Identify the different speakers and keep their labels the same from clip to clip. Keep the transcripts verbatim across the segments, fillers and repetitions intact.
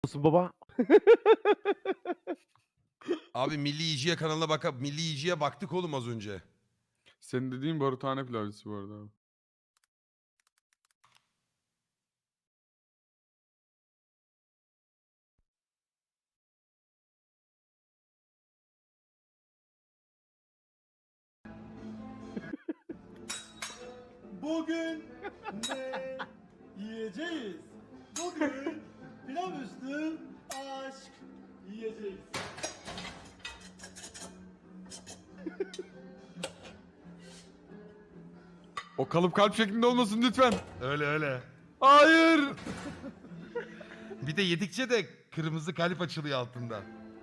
Speaker 1: Olsun baba.
Speaker 2: Abi Milli Yiyiciye kanalına bak. Milli Yiyiciye baktık oğlum az önce.
Speaker 3: Senin dediğin barutane pilavcısı bu arada abi.
Speaker 4: Bugün ne yiyeceğiz? Bugün pilav üstü aşk yiyeceğiz.
Speaker 3: O kalıp kalp şeklinde olmasın lütfen.
Speaker 2: Öyle öyle.
Speaker 3: Hayır.
Speaker 2: Bir de yedikçe de kırmızı kalp açılıyor altında.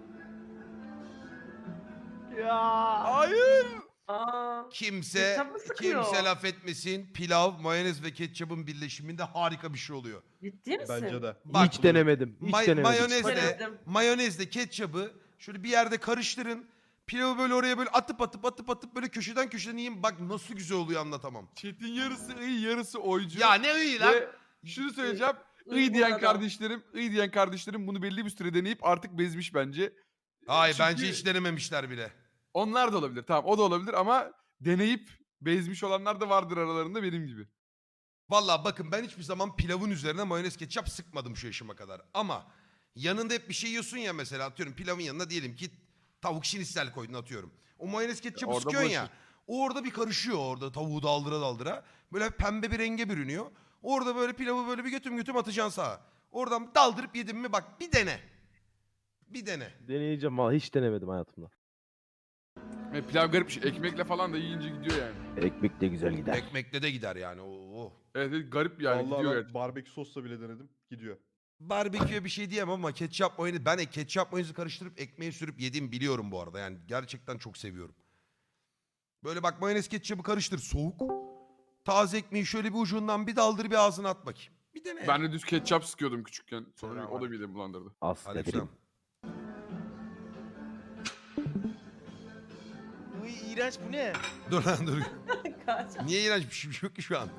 Speaker 1: Ya.
Speaker 3: Hayır.
Speaker 5: Aa,
Speaker 2: Kimse
Speaker 5: Ketçap mı sıkıyor?
Speaker 2: kimse laf etmesin. Pilav, mayonez ve ketçabın birleşiminde harika bir şey oluyor.
Speaker 5: ciddi misin?
Speaker 6: Bence de.
Speaker 2: Bak,
Speaker 1: Hiç denemedim. Hiç
Speaker 2: May-
Speaker 1: denemedim.
Speaker 2: mayonezle,
Speaker 5: Denedim.
Speaker 2: mayonezle ketçabı şöyle bir yerde karıştırın. Pilavı böyle oraya böyle atıp atıp atıp atıp böyle köşeden köşeden yiyin. Bak nasıl güzel oluyor anlatamam.
Speaker 3: Chat'in yarısı iyi yarısı oycu.
Speaker 2: Ya ne iyi lan.
Speaker 3: Ve şunu söyleyeceğim.
Speaker 5: İyi
Speaker 3: İyi
Speaker 5: bu
Speaker 3: diyen
Speaker 5: arada.
Speaker 3: kardeşlerim, iyi diyen kardeşlerim bunu belli bir süre deneyip artık bezmiş bence.
Speaker 2: Hayır
Speaker 3: Çünkü
Speaker 2: bence hiç denememişler bile.
Speaker 3: onlar da olabilir. Tamam o da olabilir ama deneyip bezmiş olanlar da vardır aralarında benim gibi.
Speaker 2: Vallahi bakın ben hiçbir zaman pilavın üzerine mayonez ketçap sıkmadım şu yaşıma kadar. Ama yanında hep bir şey yiyorsun ya mesela atıyorum pilavın yanına diyelim ki tavuk şinistel koydun atıyorum. O mayonez ketçabı
Speaker 3: orada
Speaker 2: sıkıyorsun ya.
Speaker 3: bulaşır.
Speaker 2: O orada bir karışıyor orada tavuğu daldıra daldıra. Böyle pembe bir renge bürünüyor. Orada böyle pilavı böyle bir götüm götüm atacaksın sağa. Oradan daldırıp yedin mi bak bir dene. Bir dene.
Speaker 1: Deneyeceğim valla hiç denemedim hayatımda.
Speaker 3: E, pilav garip bir şey. Ekmekle falan da yiyince gidiyor yani.
Speaker 1: Ekmek de güzel gider.
Speaker 2: Ekmekle de gider yani. Oo.
Speaker 3: Evet, evet garip yani
Speaker 6: Vallahi
Speaker 3: gidiyor
Speaker 6: ben
Speaker 3: gerçekten.
Speaker 6: barbekü sosla bile denedim. Gidiyor.
Speaker 2: Barbeküye bir şey diyemem ama ketçap mayonez. Ben ketçap mayonezi karıştırıp ekmeğe sürüp yediğimi biliyorum bu arada. Yani gerçekten çok seviyorum. Böyle bak mayonez ketçabı karıştır soğuk. Taze ekmeği şöyle bir ucundan bir daldır bir ağzına at bakayım. Bir dene.
Speaker 3: Ben de düz ketçap sıkıyordum küçükken. Sonra
Speaker 2: Selam
Speaker 3: o da
Speaker 2: aleyküm.
Speaker 3: midemi bulandırdı.
Speaker 1: As
Speaker 2: Aleykümselam.
Speaker 1: dedim.
Speaker 7: Uy iğrenç bu ne?
Speaker 2: Dur lan dur.
Speaker 5: Kaç.
Speaker 2: Niye iğrenç bir şey yok ki şu an?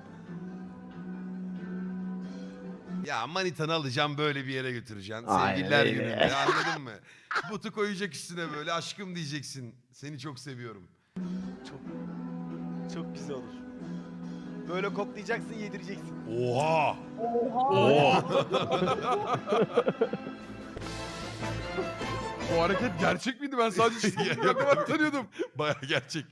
Speaker 2: Ya manitanı alacağım böyle bir yere götüreceksin.
Speaker 1: Aynen
Speaker 2: Sevgililer
Speaker 1: öyle.
Speaker 2: gününde anladın mı? Butu koyacak üstüne böyle aşkım diyeceksin. Seni çok seviyorum.
Speaker 7: Çok çok güzel olur. Böyle koklayacaksın, yedireceksin.
Speaker 2: Oha!
Speaker 5: Oha.
Speaker 3: O hareket gerçek miydi? Ben sadece
Speaker 2: Ya,
Speaker 3: çizgi
Speaker 2: yok,
Speaker 3: kadar
Speaker 2: yok.
Speaker 3: tanıyordum.
Speaker 2: Baya gerçek.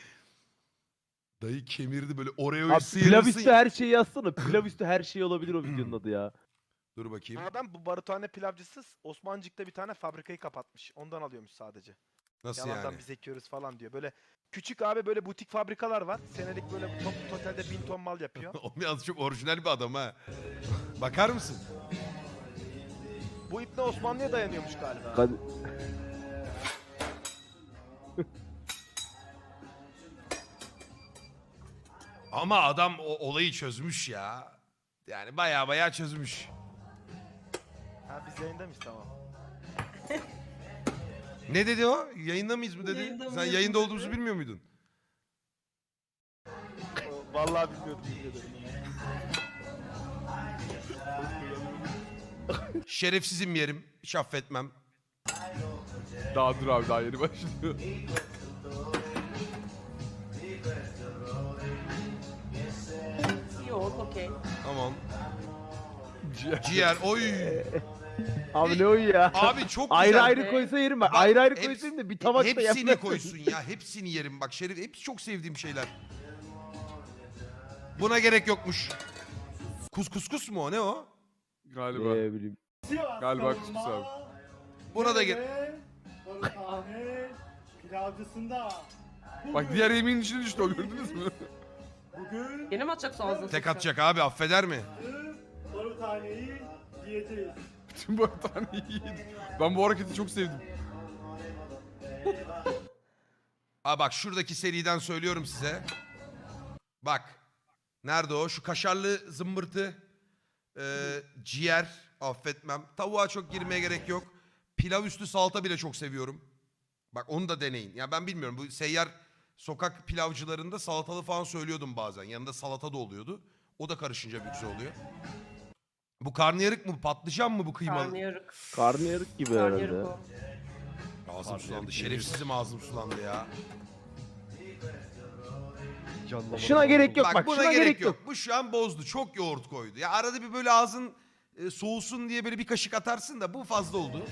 Speaker 2: Dayı kemirdi böyle Oreo'yu
Speaker 1: Abi
Speaker 2: sıyırırsın.
Speaker 1: pilav üstü her şeyi yazsana. Pilav üstü her şey olabilir o videonun adı ya.
Speaker 2: Dur
Speaker 7: Bu
Speaker 2: bakayım.
Speaker 7: adam bu barutane pilavcısı Osmancık'ta bir tane fabrikayı kapatmış. Ondan alıyormuş sadece.
Speaker 2: Nasıl
Speaker 7: Yalandan
Speaker 2: yani?
Speaker 7: biz ekiyoruz falan diyor. Böyle küçük abi böyle butik fabrikalar var. Senelik böyle top, totalde bin ton mal yapıyor.
Speaker 2: O biraz çok orijinal bir adam ha. Bakar mısın?
Speaker 7: Bu ipne Osmanlı'ya dayanıyormuş galiba.
Speaker 1: Hadi.
Speaker 2: Ama adam o olayı çözmüş ya. Yani baya baya çözmüş.
Speaker 7: Ha biz yayında mıyız tamam.
Speaker 2: Ne dedi o? Yayında mıyız mı dedi?
Speaker 5: Yayında
Speaker 2: Sen
Speaker 5: mıyız
Speaker 2: yayında
Speaker 5: mı
Speaker 2: olduğumuzu
Speaker 5: dedi?
Speaker 2: bilmiyor muydun?
Speaker 7: O- Vallahi bilmiyordum yemin ederim.
Speaker 2: Şerefsizim yerim. Hiç affetmem.
Speaker 3: Daha dur abi daha yeni başlıyor.
Speaker 5: Yok okey.
Speaker 2: Tamam.
Speaker 3: Ciğer.
Speaker 2: Ciğer. Oy.
Speaker 1: Abi ne o ya?
Speaker 2: Abi çok güzel.
Speaker 1: Ayrı ayrı koysa yerim ben.
Speaker 2: Bak,
Speaker 1: Ayrı ayrı
Speaker 2: heps-
Speaker 1: koysayım da bir tabakta
Speaker 2: Hepsini
Speaker 1: yapmasın.
Speaker 2: koysun ya. Hepsini yerim. Bak Şerif hepsi çok sevdiğim şeyler. Buna gerek yokmuş. Kus kus kus mu o? Ne o?
Speaker 3: Galiba.
Speaker 1: Ne bileyim.
Speaker 4: Sivas
Speaker 3: Galiba
Speaker 4: kavurma,
Speaker 3: kuskus abi.
Speaker 2: Buna da gel.
Speaker 4: ve barutane pilavcısında.
Speaker 3: Bak diğer yemeğin içine düştü o gördünüz mü?
Speaker 4: Bugün
Speaker 5: Yine mi atacaksın ağzına?
Speaker 2: Tek
Speaker 5: sıçra?
Speaker 2: atacak abi affeder mi?
Speaker 4: barutaneyi yiyeceğiz.
Speaker 3: Bütün barutaneyi yedim. Ben bu hareketi çok sevdim.
Speaker 2: Aa bak şuradaki seriden söylüyorum size. Bak. Nerede o? Şu kaşarlı zımbırtı. Ee, ciğer. Affetmem. Tavuğa çok girmeye gerek yok. Pilav üstü salata bile çok seviyorum. Bak onu da deneyin. Ya ben bilmiyorum. Bu seyyar sokak pilavcılarında salatalı falan söylüyordum bazen. Yanında salata da oluyordu. O da karışınca bir güzel oluyor. Bu karnıyarık mı? Patlıcan mı bu kıymalı?
Speaker 5: Karnıyarık.
Speaker 1: Karnıyarık gibi herhalde.
Speaker 5: Karnıyarık o.
Speaker 2: Ağzım sulandı. Şerefsizim ağzım sulandı ya.
Speaker 6: Canlamadı.
Speaker 1: Şuna gerek yok
Speaker 2: Bak,
Speaker 1: bak,
Speaker 2: buna
Speaker 1: şuna
Speaker 2: gerek, yok. Bu şu an bozdu. Çok yoğurt koydu. Ya arada bir böyle ağzın e, soğusun diye böyle bir kaşık atarsın da bu fazla oldu.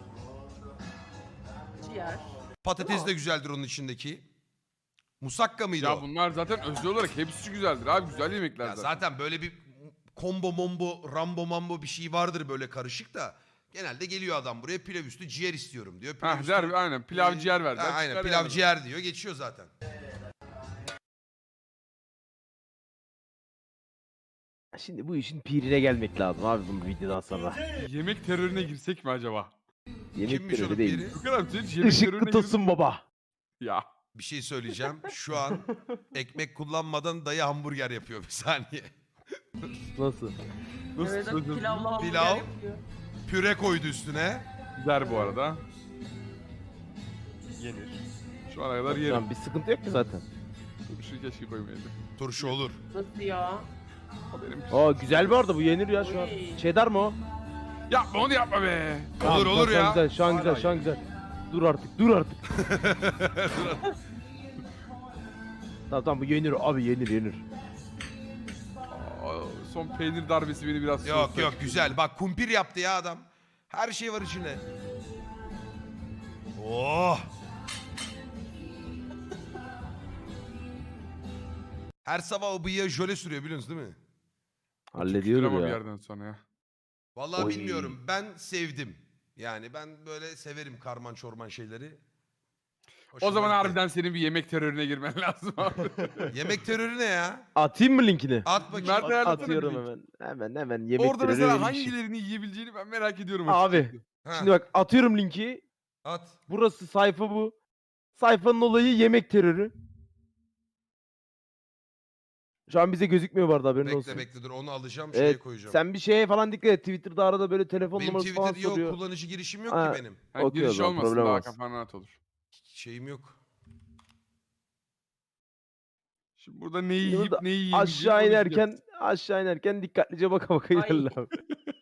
Speaker 5: Ciğer.
Speaker 2: Patates de güzeldir onun içindeki. Musakka mıydı
Speaker 3: Ya
Speaker 2: o?
Speaker 3: bunlar zaten özel olarak hepsi güzeldir abi. Güzel yemekler
Speaker 2: Ya
Speaker 3: zaten.
Speaker 2: zaten böyle bir combo mombo, rambo mambo bir şey vardır böyle karışık da. Genelde geliyor adam buraya pilav üstü ciğer istiyorum diyor. Pilav
Speaker 3: Hah
Speaker 2: üstü,
Speaker 3: der aynen pilav
Speaker 2: e,
Speaker 3: ciğer ver.
Speaker 2: ha,
Speaker 3: der,
Speaker 2: aynen
Speaker 3: çıkar
Speaker 2: pilav
Speaker 3: yani.
Speaker 2: ciğer diyor geçiyor zaten.
Speaker 1: Şimdi bu işin pirine gelmek lazım abi bu videodan sonra.
Speaker 3: Yemek terörüne girsek mi acaba?
Speaker 1: Yemek
Speaker 2: Kimmiş onun
Speaker 1: terörü değil.
Speaker 2: biri?
Speaker 3: Bu kadar bir şey, hiç yemek
Speaker 1: Işık
Speaker 3: terörüne
Speaker 1: kıtasın baba.
Speaker 3: girdik- Ya.
Speaker 2: Bir şey söyleyeceğim. Şu an ekmek kullanmadan dayı hamburger yapıyor bir saniye.
Speaker 1: Nasıl?
Speaker 3: Nasıl
Speaker 5: Evet,
Speaker 3: sözüm?
Speaker 5: pilavla hamburger
Speaker 2: Pilav.
Speaker 5: yapıyor.
Speaker 2: Püre koydu üstüne.
Speaker 3: Güzel bu arada.
Speaker 6: Yenir.
Speaker 3: Şu ana kadar
Speaker 1: Şu
Speaker 3: yerim.
Speaker 1: an bir sıkıntı yok ki zaten.
Speaker 3: Şu keşke koymayaydı.
Speaker 2: Turşu olur.
Speaker 5: Nasıl ya?
Speaker 3: O benim.
Speaker 1: Aa güzel bu arada, bu yenir ya şu an.
Speaker 5: Oy.
Speaker 1: Cheddar mı o?
Speaker 3: Yapma onu yapma be.
Speaker 2: Olur, olur
Speaker 1: şu an
Speaker 2: ya.
Speaker 1: Güzel, şu an güzel,
Speaker 6: Hala
Speaker 1: şu an güzel. Dur artık, dur artık. Tamam tamam bu yenir abi, yenir yenir.
Speaker 3: Aa, son peynir darbesi beni biraz
Speaker 2: Yok
Speaker 3: soğuttu.
Speaker 2: yok güzel. Bak kumpir yaptı ya adam. Her şey var içinde. Oh. Her sabah o bıyığa jöle sürüyor biliyorsunuz değil mi?
Speaker 1: Hallediyorum
Speaker 3: Ama bir
Speaker 1: ya.
Speaker 3: yerden sonra ya.
Speaker 2: Vallahi
Speaker 1: Oy.
Speaker 2: bilmiyorum. Ben sevdim. Yani ben böyle severim karman çorman şeyleri.
Speaker 3: O
Speaker 2: Hoşuma
Speaker 3: zaman
Speaker 2: gitti.
Speaker 3: harbiden senin bir yemek terörüne girmen lazım abi.
Speaker 2: Yemek terörü ne ya?
Speaker 1: Atayım mı linkini?
Speaker 2: At bakayım.
Speaker 3: Mert
Speaker 2: At-
Speaker 3: ayarlasana
Speaker 1: Atıyorum
Speaker 3: bir link.
Speaker 1: hemen. Hemen hemen yemek
Speaker 3: Orada
Speaker 1: terörü
Speaker 3: mesela
Speaker 1: öyle bir şey.
Speaker 3: hangilerini yiyebileceğini ben merak ediyorum.
Speaker 1: Abi.
Speaker 3: açıkçası.
Speaker 2: Ha,
Speaker 1: Şimdi bak atıyorum linki.
Speaker 2: at.
Speaker 1: Burası sayfa bu. Sayfanın olayı yemek terörü. Şu an bize gözükmüyor bu arada, haberin
Speaker 2: Bekle
Speaker 1: olsun.
Speaker 2: bekle dur onu alacağım şeye
Speaker 1: Evet,
Speaker 2: koyacağım.
Speaker 1: sen bir şeye falan dikkat et. Twitter'da arada böyle telefon
Speaker 2: Benim
Speaker 1: numarası falan
Speaker 2: Twitter yok,
Speaker 1: soruyor.
Speaker 2: kullanıcı girişim yok
Speaker 1: Ha.
Speaker 2: ki benim.
Speaker 3: Ha,
Speaker 1: Okey o
Speaker 3: giriş
Speaker 1: zaman,
Speaker 3: olmasın
Speaker 1: problem
Speaker 3: daha
Speaker 1: olmaz.
Speaker 3: kafan rahat olur.
Speaker 2: Şeyim yok.
Speaker 3: Şimdi burada neyi
Speaker 1: Şimdi
Speaker 3: yiyip
Speaker 1: burada
Speaker 3: neyi yiyemeyeceğini
Speaker 1: Aşağı
Speaker 3: konuşacağız.
Speaker 1: inerken aşağı inerken dikkatlice baka baka
Speaker 5: Ay.
Speaker 1: ilerle abi.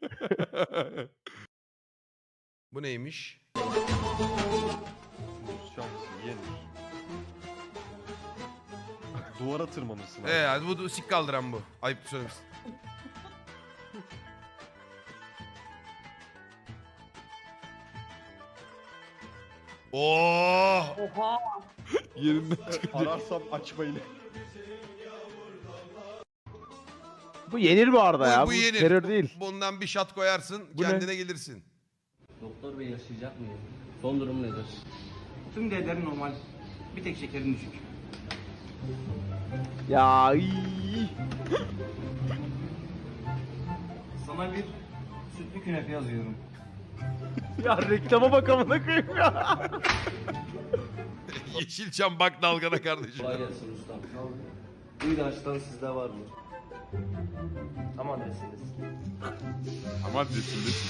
Speaker 2: Bu neymiş?
Speaker 6: Şansı yenir. Duvara tırmanırsın abi.
Speaker 2: Ee hadi bu sik kaldıran bu. Ayıp söylemişsin. Oo!
Speaker 5: Oha.
Speaker 3: Yerinden çıkacak.
Speaker 6: Ararsam açmayın.
Speaker 1: Bu yenir bu arada
Speaker 2: Bu-
Speaker 1: ya.
Speaker 2: bu
Speaker 1: Bu,
Speaker 2: yenir.
Speaker 1: terör değil.
Speaker 2: Bundan bir şat koyarsın,
Speaker 1: Bu ne?
Speaker 2: kendine gelirsin.
Speaker 8: Doktor bey yaşayacak mıyım? Son durum nedir?
Speaker 9: Tüm değerleri normal. Bir tek şekerin düşük.
Speaker 1: Ya iyi.
Speaker 9: Sana bir sütlü künefe yazıyorum.
Speaker 1: Ya reklama bak amına koyayım ya.
Speaker 2: Yeşilçam bak dalgana kardeşim.
Speaker 8: Kolay gelsin ustam. Bu ilaçtan sizde var mı? Tam adresindesin.
Speaker 3: Ama desin desin.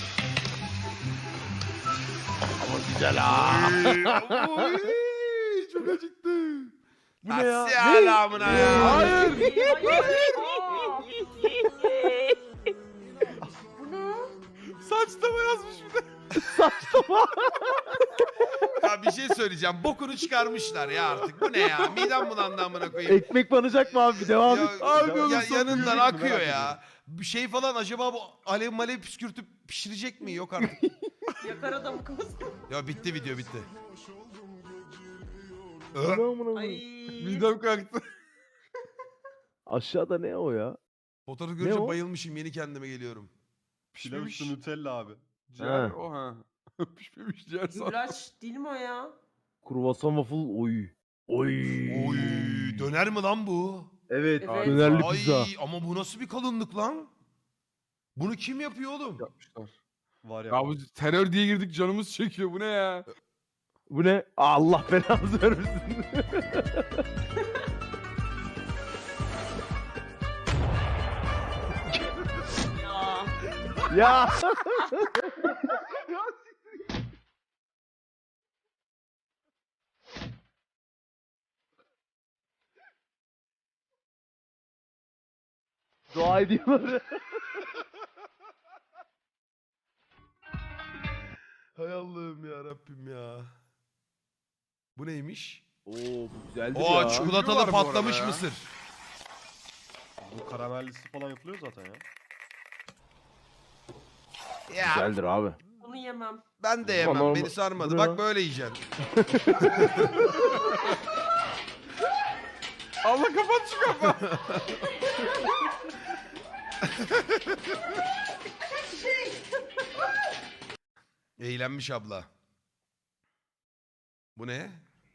Speaker 2: Oy, çok acıktı.
Speaker 1: Bu ne ya?
Speaker 2: Selamına ya.
Speaker 1: Hayır.
Speaker 5: Aa. Bu ne?
Speaker 3: Saçlama yazmış bir de.
Speaker 1: Saçma.
Speaker 2: Ya bir şey söyleyeceğim. Bokunu çıkarmışlar ya artık. Bu ne ya? Midem bulandı amına koyayım.
Speaker 1: Ekmek banacak mı abi? Devam
Speaker 2: Ya,
Speaker 1: et.
Speaker 3: Abi onun
Speaker 2: ya,
Speaker 3: sonu
Speaker 2: yanından
Speaker 6: yürüyecek mi?
Speaker 2: akıyor
Speaker 6: Merak
Speaker 2: ya. Bir şey falan acaba bu alev malev püskürtüp pişirecek mi? Yok artık.
Speaker 5: Yakar adamı kız.
Speaker 2: Ya bitti video bitti.
Speaker 1: Bu ne amına
Speaker 5: Ay.
Speaker 1: koyayım?
Speaker 3: Midem kalktı.
Speaker 1: Aşağıda ne o ya?
Speaker 2: Fotoğrafı
Speaker 1: Ne
Speaker 2: görünce
Speaker 1: o?
Speaker 2: bayılmışım. Yeni kendime geliyorum.
Speaker 6: Pilav
Speaker 3: Pişmemiş.
Speaker 6: üstü Nutella abi.
Speaker 3: Ciğer
Speaker 1: Ha.
Speaker 3: o ha. Pişmemiş ciğer sağ.
Speaker 5: Güllaç değil mi o ya?
Speaker 1: Kruvasan waffle oy. Oy.
Speaker 2: Oy, döner mi lan bu?
Speaker 1: Evet.
Speaker 5: Evet.
Speaker 1: Dönerli
Speaker 2: Ay
Speaker 1: pizza.
Speaker 2: ama bu nasıl bir kalınlık lan? Bunu kim yapıyor oğlum?
Speaker 3: Yapmışlar.
Speaker 6: Var ya.
Speaker 3: Ya bu terör diye girdik canımız çekiyor bu ne ya?
Speaker 1: Bu ne? Allah belanızı vermesin.
Speaker 5: Ya.
Speaker 1: Ya. Dua ediyorlar.
Speaker 2: Hay Allah'ım ya Rabbim ya. Bu neymiş?
Speaker 1: Oo bu güzeldi
Speaker 2: Oo
Speaker 1: ya.
Speaker 2: çikolatalı
Speaker 3: Ünlü var bu arada
Speaker 2: patlamış
Speaker 3: ya.
Speaker 2: mısır.
Speaker 6: Bu karamellisi falan yapılıyor zaten ya.
Speaker 2: Ya
Speaker 1: Güzeldir abi.
Speaker 5: Bunu yemem.
Speaker 2: ben de yemem.
Speaker 1: normal-
Speaker 2: Beni sarmadı.
Speaker 1: Bu ne
Speaker 2: Bak
Speaker 1: lan?
Speaker 2: böyle yiyeceksin.
Speaker 3: Allah kapat şu kapağı.
Speaker 2: Eğlenmiş abla. Bu ne?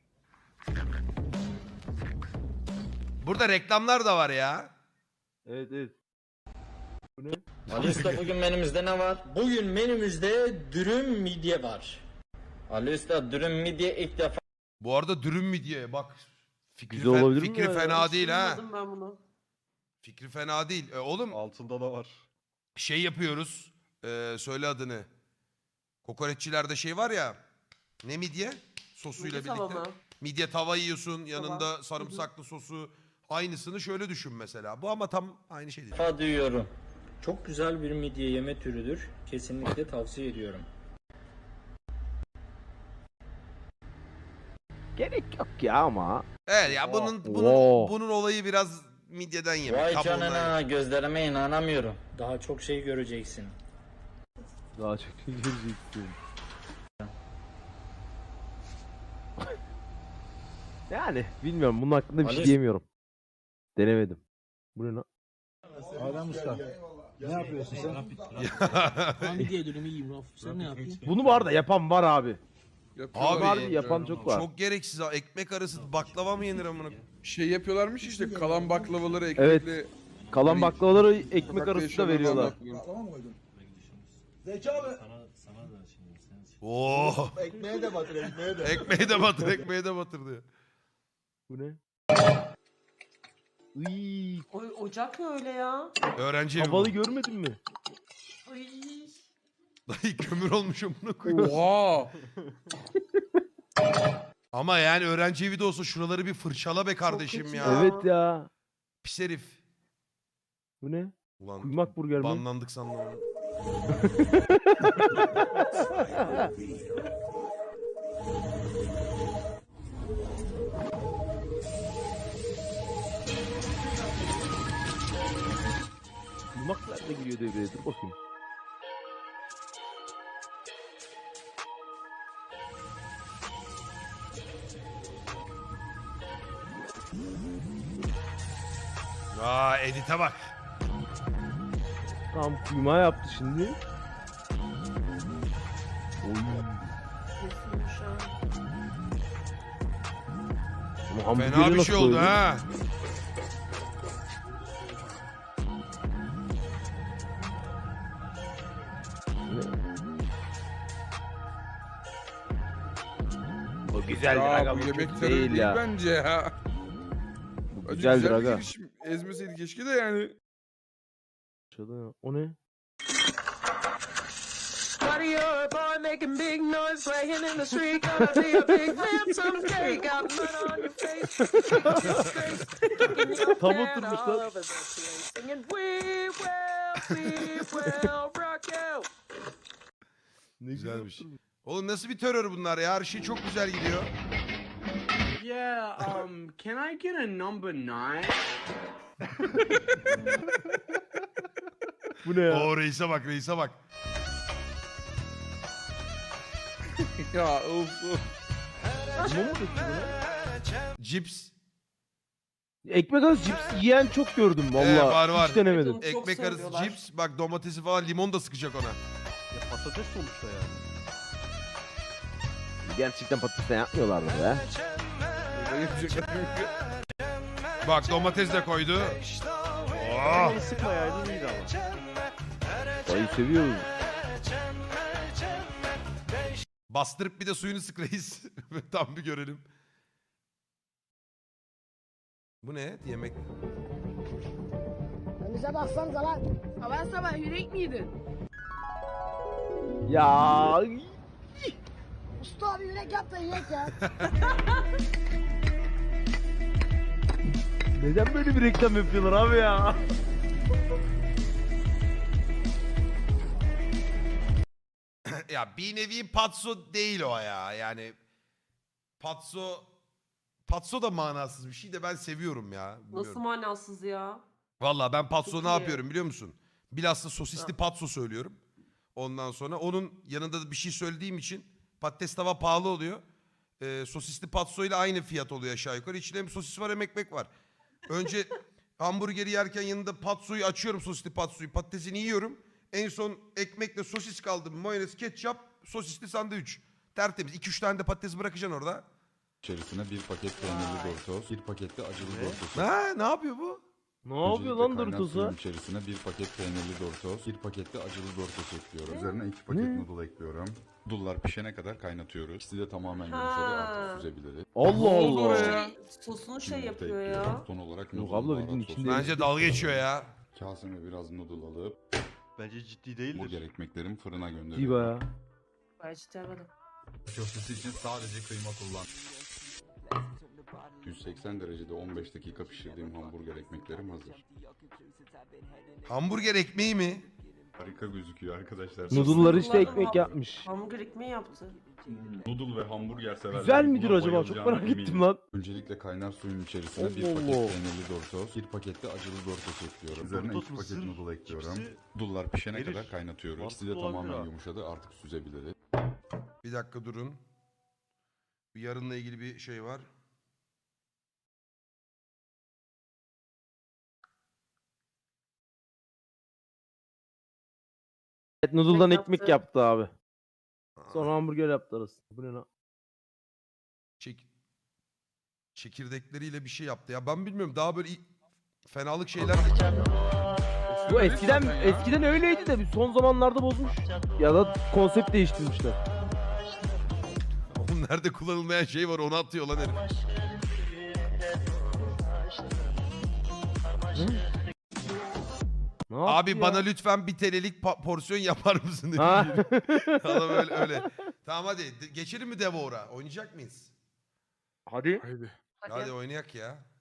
Speaker 2: Burada reklamlar da var ya.
Speaker 1: Evet evet. Bu ne?
Speaker 9: Ali Usta bugün menümüzde ne var? Bugün menümüzde dürüm midye var. Ali Usta dürüm midye ilk defa
Speaker 2: Bu arada dürüm mi diye bak. Fikri,
Speaker 1: Güzel
Speaker 2: fe-
Speaker 1: olabilir mi
Speaker 2: fikri
Speaker 1: ya?
Speaker 2: fena değil ha.
Speaker 5: Duymadım ben bunu.
Speaker 2: Fikri fena değil. E, oğlum
Speaker 6: Altında da var.
Speaker 2: şey yapıyoruz. E, söyle adını. Kokoreççilerde şey var ya. Ne midye? Sosuyla
Speaker 5: Midye tava
Speaker 2: birlikte.
Speaker 5: mı?
Speaker 2: Midye tava yiyorsun. Yanında sarımsaklı sosu. Aynısını şöyle düşün mesela. Bu ama tam aynı şey değil.
Speaker 9: duyuyorum. Çok güzel bir midye yeme türüdür. Kesinlikle tavsiye ediyorum.
Speaker 1: Gerek yok ya ama.
Speaker 2: Evet ya bunun bunun
Speaker 1: Wow.
Speaker 2: bunun olayı biraz midyeden yemek.
Speaker 9: Vay
Speaker 2: kabuğundan yemek.
Speaker 9: canına gözlerime inanamıyorum. Daha çok şey göreceksin.
Speaker 1: Daha çok şey göreceksin. Yani bilmiyorum bunun hakkında bir şey
Speaker 9: Ali-
Speaker 1: diyemiyorum. Denemedim. Bu ne lan?
Speaker 10: Adem Usta. Ne yapıyorsun sen? Midye dürümü yiyeyim Rauf. Sen ne yapıyorsun?
Speaker 1: Bunu var da yapan var abi.
Speaker 3: Yapıyorlar
Speaker 2: Abi,
Speaker 3: ya.
Speaker 1: yapan çok var.
Speaker 2: Çok gereksiz ha. Ekmek arası baklava mı yenir amına?
Speaker 3: Şey yapıyorlarmış işte kalan baklavaları ekmekle.
Speaker 1: Kalan
Speaker 3: Hani
Speaker 1: baklavaları ekmek
Speaker 3: sokakta
Speaker 1: arasında
Speaker 3: yaşayanlar
Speaker 1: veriyorlar.
Speaker 3: baklava.
Speaker 10: Tamam mı koydun? Zeki abi.
Speaker 2: Oo.
Speaker 10: Ekmeğe de batır ekmeğe de.
Speaker 2: Ekmeği de batır, ekmeği de batır diyor.
Speaker 1: Bu ne? Iy,
Speaker 5: O, ocak ne öyle ya?
Speaker 2: Öğrenci evi
Speaker 1: havalı
Speaker 2: bu.
Speaker 1: görmedin mi?
Speaker 5: Ay.
Speaker 2: Dayı kömür olmuş amına koyayım.
Speaker 3: Oha.
Speaker 2: Ama yani öğrenci evi de olsa şuraları bir fırçala be kardeşim
Speaker 5: kötü
Speaker 2: ya.
Speaker 5: ya.
Speaker 1: Evet ya.
Speaker 2: Pis herif.
Speaker 1: Bu ne?
Speaker 2: Ulan
Speaker 1: Kuymak burger mi?
Speaker 2: banlandık sandım. onu.
Speaker 1: Kuymak nerede giriyor devreye? Dur bakayım.
Speaker 2: Aa edite bak.
Speaker 1: Tamam kuymağı yaptı şimdi. Oy.
Speaker 5: Kesilmiş ha.
Speaker 1: Ama hamburgeri
Speaker 2: Fena bir
Speaker 1: nasıl
Speaker 2: şey oldu
Speaker 1: koydun?
Speaker 2: ha.
Speaker 1: O güzeldir
Speaker 3: Ya
Speaker 1: aga
Speaker 3: bu
Speaker 1: bu
Speaker 3: yemek
Speaker 1: kötü
Speaker 3: terörü
Speaker 1: değil
Speaker 3: değil
Speaker 1: ya.
Speaker 3: bence ya.
Speaker 1: Bu
Speaker 3: Acı
Speaker 1: güzeldir
Speaker 3: güzel bir
Speaker 1: aga.
Speaker 3: girişim. Ezmeseydi keşke de yani.
Speaker 1: Aşağıda- O ne?
Speaker 5: Buddy, you're a boy making big noise, playing in the street, gonna be a big man someday. Got mud on your face, kicking your
Speaker 1: Tam
Speaker 5: can
Speaker 1: oturmuş
Speaker 5: all
Speaker 1: lan.
Speaker 5: over the place, singing we will, we will rock you.
Speaker 1: Ne
Speaker 2: Güzelmiş.
Speaker 1: güzel.
Speaker 2: Oğlum nasıl bir terör bunlar ya? Her şey çok güzel gidiyor.
Speaker 10: Yeah, um, can I get a number nine?
Speaker 1: Bu ne ya?
Speaker 2: Oo reise bak reise bak.
Speaker 3: Ya of of.
Speaker 1: Limon mu döktü buna?
Speaker 2: Cips.
Speaker 1: Ekmek arası cips yiyen çok gördüm valla.
Speaker 2: Ee, var, var.
Speaker 1: Hiç denemedim.
Speaker 5: Evet, Çok
Speaker 2: Ekmek arası
Speaker 5: seviyorlar.
Speaker 2: cips. Bak domatesi falan limon da sıkacak ona.
Speaker 6: Ya patates sonuçta yani.
Speaker 1: Gerçekten patatesten yapmıyorlardı be.
Speaker 3: Yapacaklar yok.
Speaker 2: Bak domates de koydu. Oh.
Speaker 6: Limonu sıkmayaydın iyiydi ama.
Speaker 1: Dayı seviyoruz.
Speaker 2: Bastırıp bir de suyunu sık reis. Tam bir görelim. Bu ne? Yemek.
Speaker 11: Bize baksanıza lan. Sabah sabah yürek miydin?
Speaker 1: Ya
Speaker 11: Usta abi yürek yap da yiyek ya.
Speaker 1: neden böyle bir reklam yapıyorlar abi ya?
Speaker 2: ya bir nevi patso değil o ya. Yani patso patso da manasız bir şey de ben seviyorum ya. Bilmiyorum.
Speaker 5: Nasıl manasız ya?
Speaker 2: Valla ben patso
Speaker 5: Çok
Speaker 2: ne
Speaker 5: iyi.
Speaker 2: yapıyorum biliyor musun? Bilhassa sosisli patso söylüyorum. Ondan sonra onun yanında da bir şey söylediğim için patates tava pahalı oluyor. Ee, sosisli patso ile aynı fiyat oluyor aşağı yukarı. İçinde hem sosis var hem ekmek var. Önce hamburgeri yerken yanında patsoyu açıyorum, sosisli patsoyu. Patatesini yiyorum. En son ekmekle sosis kaldı. Mayonez, ketçap, sosisli sandviç. Tertemiz. iki üç tane de patates bırakacaksın orada.
Speaker 12: İçerisine bir paket peynirli Doritos, bir paket de acılı Doritos.
Speaker 2: Ha, ne yapıyor bu?
Speaker 1: Ne yapıyor lan Doritos'a?
Speaker 12: İçerisine bir paket peynirli Doritos, bir paket de acılı Doritos ekliyorum. Üzerine iki paket
Speaker 1: Ne?
Speaker 12: noodle ekliyorum. Noodle'lar pişene kadar kaynatıyoruz. İkisi de tamamen yumuşadı,
Speaker 5: Ha.
Speaker 12: artık süzebiliriz.
Speaker 1: Allah Allah.
Speaker 5: Şey, sosunu şey
Speaker 12: Yumurta
Speaker 5: yapıyor ya.
Speaker 12: ekliyorum. Son olarak
Speaker 1: Yok
Speaker 12: noodle
Speaker 1: abla,
Speaker 12: baharat
Speaker 1: bildiğin
Speaker 12: sosu.
Speaker 1: içinde-
Speaker 2: Bence dalga geçiyor ya.
Speaker 12: Kaseme biraz noodle alıp
Speaker 6: Bence ciddi değildir.
Speaker 12: burger ekmeklerimi fırına
Speaker 1: İyi
Speaker 12: gönderiyorum.
Speaker 1: baya.
Speaker 5: Ben hiç demedim.
Speaker 12: Köftesi için sadece kıyma kullan. yüz seksen derecede on beş dakika pişirdiğim hamburger ekmeklerim hazır.
Speaker 2: Hamburger ekmeği mi?
Speaker 12: Harika gözüküyor arkadaşlar.
Speaker 1: Noodle'lar işte
Speaker 5: Noodle'lar
Speaker 1: ekmek
Speaker 5: ham-
Speaker 1: yapmış.
Speaker 5: Hamburger ekmeği yaptı.
Speaker 12: Noodle ve hamburger severler.
Speaker 1: Güzel midir
Speaker 12: buna
Speaker 1: acaba? Çok
Speaker 12: bayılacağına
Speaker 1: merak ettim
Speaker 12: eminim.
Speaker 1: lan.
Speaker 12: Öncelikle kaynar suyun içerisine bir
Speaker 1: Allah
Speaker 12: paket
Speaker 1: Allah.
Speaker 12: peynirli Doritos, bir paket de acılı Doritos ekliyorum. Üzerine
Speaker 6: Doritos
Speaker 12: iki paket
Speaker 6: mısır
Speaker 12: noodle ekliyorum.
Speaker 6: cipsi
Speaker 12: Noodle'lar pişene
Speaker 6: verir.
Speaker 12: kadar kaynatıyoruz. İkisi de
Speaker 6: Mantıklı olabilir
Speaker 12: tamamen
Speaker 6: ha.
Speaker 12: yumuşadı, artık süzebiliriz.
Speaker 2: Bir dakika durun. Bir yarınla ilgili bir şey var.
Speaker 1: Evet, noodle'dan
Speaker 5: Ekmek
Speaker 1: ekmek
Speaker 5: yaptı.
Speaker 1: yaptı abi. Sonra hamburger yaptı arasında. Bu ne lan?
Speaker 2: Çek... Çekirdekleriyle bir şey yaptı ya. Ben bilmiyorum, daha böyle i- fenalık şeyler.
Speaker 1: Bu eskiden eskiden öyleydi de son zamanlarda bozmuş. Ya da konsept değiştirmişler.
Speaker 2: Oğlum nerede kullanılmayan şey var onu atıyor lan herif.
Speaker 1: Ne
Speaker 2: Abi
Speaker 1: yaptı
Speaker 2: bana
Speaker 1: ya?
Speaker 2: lütfen bir telelik pa- porsiyon yapar mısın dedi.
Speaker 1: Ha.
Speaker 2: Adam öyle öyle. Tamam hadi de- geçelim mi Devour'a? Oynayacak mıyız?
Speaker 1: Hadi.
Speaker 3: Haydi.
Speaker 2: Hadi oynayak ya.